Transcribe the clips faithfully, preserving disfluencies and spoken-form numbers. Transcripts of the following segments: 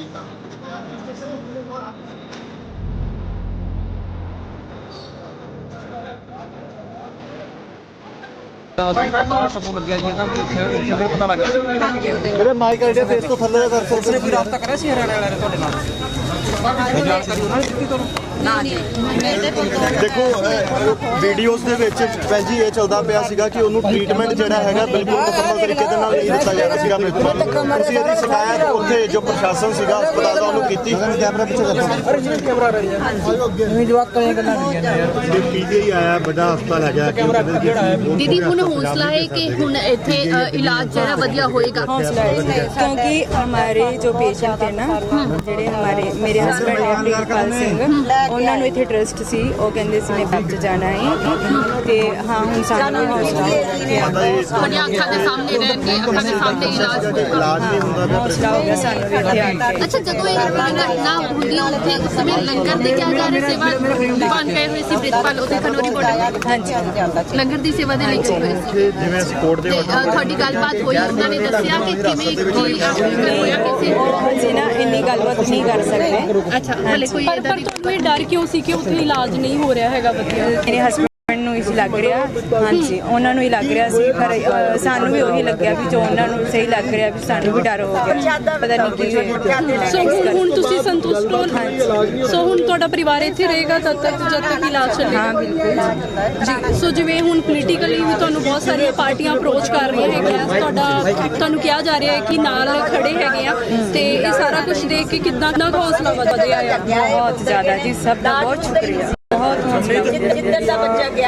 पता लग गया माइक आइडिया फेस तो थल्ले कर सकते कोई रास्ता करा सी हरियाणा वाले ਤੁਹਾਡੇ ਨਾਲ ਜਾਣਕਾਰੀ ਉਹਨਾਂ ਨੇ ਦਿੱਤੀ ਤੁਹਾਨੂੰ ਨਾ ਜੀ ਦੇਖੋ ਵੀਡੀਓਜ਼ ਦੇ ਵਿੱਚ ਭੈਣ ਜੀ ਇਹ ਚੱਲਦਾ ਪਿਆ ਸੀਗਾ ਕਿ ਉਹਨੂੰ ਟ੍ਰੀਟਮੈਂਟ ਜਿਹੜਾ ਹੈਗਾ ਬਿਲਕੁਲ ਮੁਕੰਮਲ ਤਰੀਕੇ ਦੇ ਨਾਲ ਨਹੀਂ ਦਿੱਤਾ ਜਾ ਰਿਹਾ ਸੀਗਾ ਪ੍ਰਿਤਪਾਲ ਤੁਸੀਂ ਇਹਦੀ ਸ਼ਿਕਾਇਤ ਉੱਥੇ ਜੋ ਪ੍ਰਸ਼ਾਸਨ ਸੀਗਾ ਹਸਪਤਾਲ ਦਾ ਉਹਨੂੰ ਕੀਤੀ ਕੈਮਰਾ ਪਿੱਛੇ ਕਰੋ ਕੈਮਰਾ ਰਹੀ ਹੈ ਨਹੀਂ ਜਵਾਕ ਕਰੇ ਗੱਲਾਂ ਕਰੀਆਂ ਨੇ ਯਾਰ ਇਹ ਪੀਜੀਆਈ ਆਇਆ ਵੱਡਾ ਹਸਪਤਾਲ ਹੈਗਾ ਦੀਦੀ ਹੁਣ ਹੌਸਲਾ ਹੈ ਕਿ ਹੁਣ ਇੱਥੇ ਇਲਾਜ ਜਿਹੜਾ ਵਧੀਆ ਹੋਏਗਾ क्योंकि हमारे जो पेशेंट है ना ਜਿਹੜੇ हमारे मेरे हस्बैंड ने ਪ੍ਰਿਤਪਾਲ ਸਿੰਘ ਉਹਨਾਂ ਨੂੰ ਇੱਥੇ ਟਰਸਟ ਸੀ ਉਹ ਕਹਿੰਦੇ ਸੀ ਮੈਂ ਬੱਚ ਜਾਣਾ ਹੈ ਤੇ ਹਾਂ ਹੁਣ ਸਾਨੂੰ ਹੌਸਲਾ ਤੁਹਾਡੀਆਂ ਅੱਖਾਂ ਦੇ ਸਾਹਮਣੇ ਰਹਿ ਕੇ ਅੱਖਾਂ ਦੇ ਸਾਹਮਣੇ ਇਲਾਜ ਹੋਊਗਾ ਇਲਾਜ ਨਹੀਂ ਹੁੰਦਾ ਹੌਸਲਾ ਹੋ ਗਿਆ ਸਾਨੂੰ ਵੀ ਇੱਥੇ ਆ ਕੇ ਅੱਛਾ ਜਦੋਂ ਇਹ ਘਟਨਾ ਹੁੰਦੀ ਉੱਥੇ ਉਸ ਸਮੇਂ ਲੰਗਰ ਦੀ ਕਿਆ ਜਾ ਰਹੀ ਸੇਵਾ ਦੁਕਾਨ ਪੈ ਹੋਈ ਸੀ ਪ੍ਰਿਤਪਾਲ ਉੱਥੇ ਖਨੋਰੀ ਬਾਰਡਰ ਹਾਂਜੀ ਲੰਗਰ ਦੀ ਸੇਵਾ ਦੇ ਲਈ ਗਏ ਹੋਏ ਸੀ ਜਿਵੇਂ ਅਸੀਂ ਕੋਰਟ ਦੇ ਤੇ ਤੁਹਾਡੀ ਗੱਲਬਾਤ ਹੋਈ ਉਹਨਾਂ ਨੇ ਦੱਸਿਆ ਕਿ ਕਿਵੇਂ ਕੀ ਹੋਇਆ ਕਿਸੇ ਅਸੀਂ ਨਾ ਇੰਨੀ ਗੱਲਬਾਤ ਨਹੀਂ ਕਰ ਸਕਦੇ ਅੱਛਾ ਹਲੇ ਕੋਈ ਪਰ ਪਰ ਤੁਹਾਨੂੰ ਇਹ ਡਰ ਕਿਉਂ ਸੀ ਕਿ ਉੱਥੇ ਇਲਾਜ ਨਹੀਂ ਹੋ ਰਿਹਾ ਹੈਗਾ ਵਧੀਆ ਮੇਰੇ ਹਸਬੈਂਡ ਨੂੰ ਇਸ ਲੱਗ ਰਿਹਾ ਹਾਂਜੀ ਉਹਨਾਂ ਨੂੰ ਹੀ ਲੱਗ ਰਿਹਾ ਸੀ ਪਰ ਅ, ਸਾਨੂੰ ਵੀ ਉਹੀ ਲੱਗਿਆ ਵੀ ਜੋ ਉਹਨਾਂ ਨੂੰ ਸਹੀ ਲੱਗ ਰਿਹਾ ਵੀ ਸਾਨੂੰ ਵੀ ਡਰ ਹੋ ਗਿਆ ਪਤਾ ਨਹੀਂ ਕੀ ਹੋਇਆ ਸੋ ਹੁਣ ਹੁਣ ਤੁਸੀਂ ਸੰਤੁਸ਼ਟ ਹੋ ਸੋ ਹੁਣ ਤੁਹਾਡਾ ਪਰਿਵਾਰ ਇੱਥੇ ਰਹੇਗਾ ਤਦ ਤੱਕ ਜਦ ਤੱਕ ਇਲਾਜ ਚੱਲੇਗਾ ਹਾਂ ਬਿਲਕੁਲ ਜੀ ਸੋ ਜਿਵੇਂ ਹੁਣ ਪੋਲੀਟੀਕਲੀ ਵੀ ਤੁਹਾਨੂੰ ਬਹੁਤ ਸਾਰੀਆਂ ਪਾਰਟੀਆਂ ਅਪਰੋਚ ਕਰ ਰਹੀਆਂ ਹੈਗੀਆਂ ਤੁਹਾਡਾ ਤੁਹਾਨੂੰ ਕਿਹਾ ਜਾ ਰਿਹਾ ਹੈ ਕਿ ਨਾਲ ਖੜੇ ਹੈਗੇ ਆ ਤੇ ਇਹ ਸਾਰਾ ਕੁਝ ਦੇਖ ਕੇ ਕਿੰਨਾ ਨਾ ਹੌਸਲਾ ਵਧਿਆ ਆ ਬਹੁਤ ਜ਼ਿਆਦਾ ਜੀ ਸਭ ਦਾ ਬਹੁਤ ਸ਼ੁਕਰੀਆ ਬਹੁਤ ਜਿੱਦਣ ਦਾ ਬੱਚਾ ਗਿਆ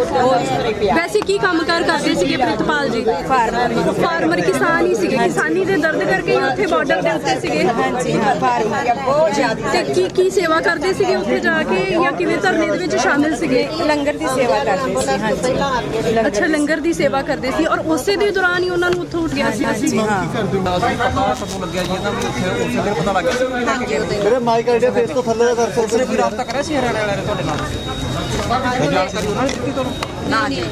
ਵੈਸੇ ਕੀ ਕੰਮਕਾਰ ਕਰਦੇ ਸੀਗੇ ਪ੍ਰਿਤਪਾਲ ਜੀ ਫਾਰਮਰ ਫਾਰਮਰ ਕਿਸਾਨ ਹੀ ਸੀਗੇ ਕਿਸਾਨੀ ਦੇ ਦਰਦ ਕਰਕੇ ਹੀ ਉੱਥੇ ਬਾਰਡਰ ਦੇ ਉੱਤੇ ਸੀਗੇ ਹਾਂਜੀ ਹਾਂ ਫਾਰਮਰ ਬਹੁਤ ਜ਼ਿਆਦਾ ਤੇ ਕੀ ਕੀ ਸੇਵਾ ਕਰਦੇ ਸੀਗੇ ਉੱਥੇ ਜਾ ਕੇ ਜਾਂ ਕਿਵੇਂ ਧਰਨੇ ਦੇ ਵਿੱਚ ਸ਼ਾਮਿਲ ਸੀਗੇ ਲੰਗਰ ਦੀ ਸੇਵਾ ਕਰਦੇ ਸੀ ਹਾਂਜੀ ਅੱਛਾ ਲੰਗਰ ਦੀ ਸੇਵਾ ਕਰਦੇ ਸੀ ਔਰ ਉਸੇ ਦੇ ਦੌਰਾਨ ਹੀ ਉਹਨਾਂ ਨੂੰ ਉੱਥੋਂ ਉੱਠ ਗਿਆ ਸੀ ਹਾਂਜੀ ਹਾਂ ਪਤਾ ਲੱਗਿਆ ਜੀ ਇਹਨਾਂ ਵੀ ਉੱਥੇ ਉਸੇ ਦਿਨ ਪਤਾ ਲੱਗ ਗਿਆ ਮੇਰੇ ਮਾਈਕ ਆਈਡੀਆ ਫੇਸ ਤੋਂ ਥੱਲੇ ਕਰ ਸਕਦੇ ਕੋਈ ਰਾਸਤਾ ਕਰਿਆ ਸੀ ਹਰਿਆਣਾ ਵਾਲੇ ਤੁਹਾਡੇ ਨਾਲ ਜਾਣਕਾਰੀ ਉਹਨਾਂ ਨੇ ਦਿੱਤੀ ਤੁਹਾਨੂੰ ਨਾ ਜੀ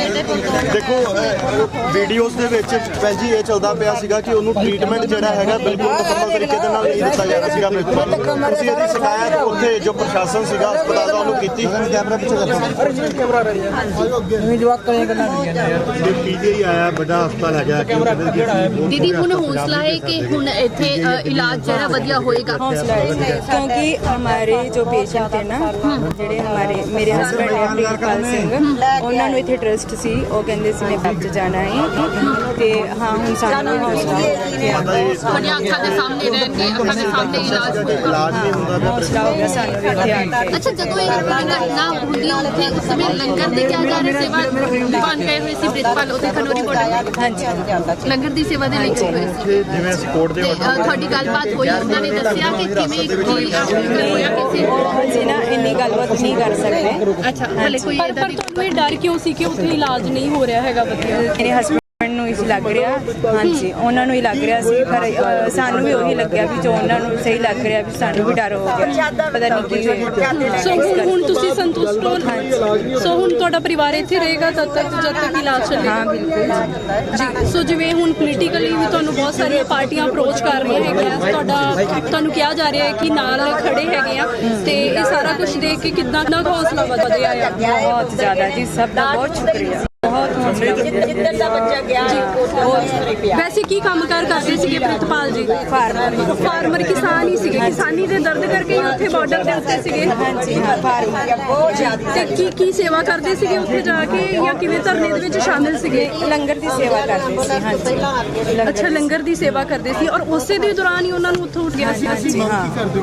ਦੇਖੋ ਵੀਡੀਓਜ਼ ਦੇ ਵਿੱਚ ਭੈਣ ਜੀ ਇਹ ਚੱਲਦਾ ਪਿਆ ਸੀਗਾ ਕਿ ਉਹਨੂੰ ਟ੍ਰੀਟਮੈਂਟ ਜਿਹੜਾ ਹੈਗਾ ਬਿਲਕੁਲ ਮੁਕੰਮਲ ਤਰੀਕੇ ਦੇ ਨਾਲ ਨਹੀਂ ਦਿੱਤਾ ਜਾ ਰਿਹਾ ਸੀਗਾ ਪ੍ਰਿਤਪਾਲ ਤੁਸੀਂ ਇਹਦੀ ਸ਼ਿਕਾਇਤ ਉੱਥੇ ਜੋ ਪ੍ਰਸ਼ਾਸਨ ਸੀਗਾ ਹਸਪਤਾਲ ਦਾ ਉਹਨੂੰ ਕੀਤੀ ਕੈਮਰਾ ਪਿੱਛੇ ਕਰੋ ਕੈਮਰਾ ਰਹੀ ਹੈ ਨਹੀਂ ਜਵਾਕ ਕਰੇ ਗੱਲਾਂ ਕਰੀਆਂ ਨੇ ਯਾਰ ਇਹ ਪੀਜੀਆਈ ਆਇਆ ਵੱਡਾ ਹਸਪਤਾਲ ਹੈਗਾ ਦੀਦੀ ਹੁਣ ਹੌਸਲਾ ਹੈ ਕਿ ਹੁਣ ਇੱਥੇ ਇਲਾਜ ਜਿਹੜਾ ਵਧੀਆ ਹੋਏਗਾ क्योंकि हमारे जो पेशेंट है ना ਜਿਹੜੇ हमारे मेरे हस्बैंड ਨੇ ਪ੍ਰਿਤਪਾਲ ਸਿੰਘ ਉਹਨਾਂ ਨੂੰ ਇੱਥੇ ਟਰਸਟ ਸੀ ਉਹ ਕਹਿੰਦੇ ਸੀ ਮੈਂ ਬੱਚ ਜਾਣਾ ਹੈ ਤੇ ਹਾਂ ਹੁਣ ਸਾਨੂੰ ਹੌਸਲਾ ਤੁਹਾਡੀਆਂ ਅੱਖਾਂ ਦੇ ਸਾਹਮਣੇ ਰਹਿ ਕੇ ਅੱਖਾਂ ਦੇ ਸਾਹਮਣੇ ਇਲਾਜ ਹੋਊਗਾ ਇਲਾਜ ਨਹੀਂ ਹੁੰਦਾ ਹੌਸਲਾ ਹੋ ਗਿਆ ਸਾਨੂੰ ਵੀ ਇੱਥੇ ਆ ਕੇ ਅੱਛਾ ਜਦੋਂ ਇਹ ਘਟਨਾ ਹੁੰਦੀ ਉੱਥੇ ਉਸ ਸਮੇਂ ਲੰਗਰ ਦੀ ਕਿਆ ਜਾ ਰਹੀ ਸੇਵਾ ਦੁਕਾਨ ਪੈ ਹੋਈ ਸੀ ਪ੍ਰਿਤਪਾਲ ਉੱਥੇ ਖਨੋਰੀ ਬਾਰਡਰ ਹਾਂਜੀ ਲੰਗਰ ਦੀ ਸੇਵਾ ਦੇ ਲਈ ਗਏ ਹੋਏ ਸੀ ਜਿਵੇਂ ਅਸੀਂ ਕੋਰਟ ਦੇ ਤੇ ਤੁਹਾਡੀ ਗੱਲਬਾਤ ਹੋਈ ਉਹਨਾਂ ਨੇ ਦੱਸਿਆ ਕਿ ਕਿਵੇਂ ਕੀ ਹੋਇਆ ਕਿਸੇ ਅਸੀਂ ਨਾ ਇੰਨੀ ਗੱਲਬਾਤ ਨਹੀਂ ਕਰ ਸਕਦੇ ਅੱਛਾ ਹਲੇ ਕੋਈ ਪਰ ਪਰ ਤੁਹਾਨੂੰ ਇਹ ਡਰ ਕਿਉਂ ਸੀ ਕਿ ਉੱਥੇ ਇਲਾਜ ਨਹੀਂ ਹੋ ਰਿਹਾ ਹੈਗਾ ਵਧੀਆ ਮੇਰੇ ਹਸਬੈਂਡ ਨੂੰ ਇਸ ਲੱਗ ਰਿਹਾ ਹਾਂਜੀ ਉਹਨਾਂ ਨੂੰ ਹੀ ਲੱਗ ਰਿਹਾ ਸੀ ਪਰ ਅ, ਸਾਨੂੰ ਵੀ ਉਹੀ ਲੱਗਿਆ ਵੀ ਜੋ ਉਹਨਾਂ ਨੂੰ ਸਹੀ ਲੱਗ ਰਿਹਾ ਵੀ ਸਾਨੂੰ ਵੀ ਡਰ ਹੋ ਗਿਆ ਪਤਾ ਨਹੀਂ ਕੀ ਹੋਇਆ ਸੋ ਹੁਣ ਹੁਣ ਤੁਸੀਂ ਸੰਤੁਸ਼ਟ ਹੋ ਸੋ ਹੁਣ ਤੁਹਾਡਾ ਪਰਿਵਾਰ ਇੱਥੇ ਰਹੇਗਾ ਤਦ ਤੱਕ ਜਦ ਤੱਕ ਇਲਾਜ ਚੱਲੇਗਾ ਹਾਂ ਬਿਲਕੁਲ ਜੀ ਸੋ ਜਿਵੇਂ ਹੁਣ ਪੋਲੀਟੀਕਲੀ ਵੀ ਤੁਹਾਨੂੰ ਬਹੁਤ ਸਾਰੀਆਂ ਪਾਰਟੀਆਂ ਅਪਰੋਚ ਕਰ ਰਹੀਆਂ ਹੈਗੀਆਂ ਤੁਹਾਡਾ ਤੁਹਾਨੂੰ ਕਿਹਾ ਜਾ ਰਿਹਾ ਹੈ ਕਿ ਨਾਲ ਖੜੇ ਹੈਗੇ ਆ ਤੇ ਇਹ ਸਾਰਾ ਕੁਝ ਦੇਖ ਕੇ ਕਿੰਨਾ ਨਾ ਹੌਸਲਾ ਵਧਿਆ ਆ ਬਹੁਤ ਜ਼ਿਆਦਾ ਜੀ ਸਭ ਦਾ ਬਹੁਤ ਸ਼ੁਕਰੀਆ ਬਹੁਤ ਹੌਸਲਾ ਜਿੱਦਣ ਦਾ ਬੱਚਾ ਗਿਆ ਵੈਸੇ ਕੀ ਕੰਮਕਾਰ ਕਰਦੇ ਸੀਗੇ ਪ੍ਰਿਤਪਾਲ ਜੀ ਫਾਰਮਰ ਫਾਰਮਰ ਕਿਸਾਨ ਹੀ ਸੀਗੇ ਕਿਸਾਨੀ ਦੇ ਦਰਦ ਕਰਕੇ ਹੀ ਉੱਥੇ ਬਾਰਡਰ ਦੇ ਉੱਤੇ ਸੀਗੇ ਹਾਂਜੀ ਹਾਂ ਫਾਰਮਰ ਬਹੁਤ ਜ਼ਿਆਦਾ ਤੇ ਕੀ ਕੀ ਸੇਵਾ ਕਰਦੇ ਸੀਗੇ ਉੱਥੇ ਜਾ ਕੇ ਜਾਂ ਕਿਵੇਂ ਧਰਨੇ ਦੇ ਵਿੱਚ ਸ਼ਾਮਿਲ ਸੀਗੇ ਲੰਗਰ ਦੀ ਸੇਵਾ ਕਰਦੇ ਸੀ ਹਾਂਜੀ ਅੱਛਾ ਲੰਗਰ ਦੀ ਸੇਵਾ ਕਰਦੇ ਸੀ ਔਰ ਉਸੇ ਦੇ ਦੌਰਾਨ ਹੀ ਉਹਨਾਂ ਨੂੰ ਉੱਥੋਂ ਉੱਠ ਗਿਆ ਸੀ ਹਾਂਜੀ ਹਾਂ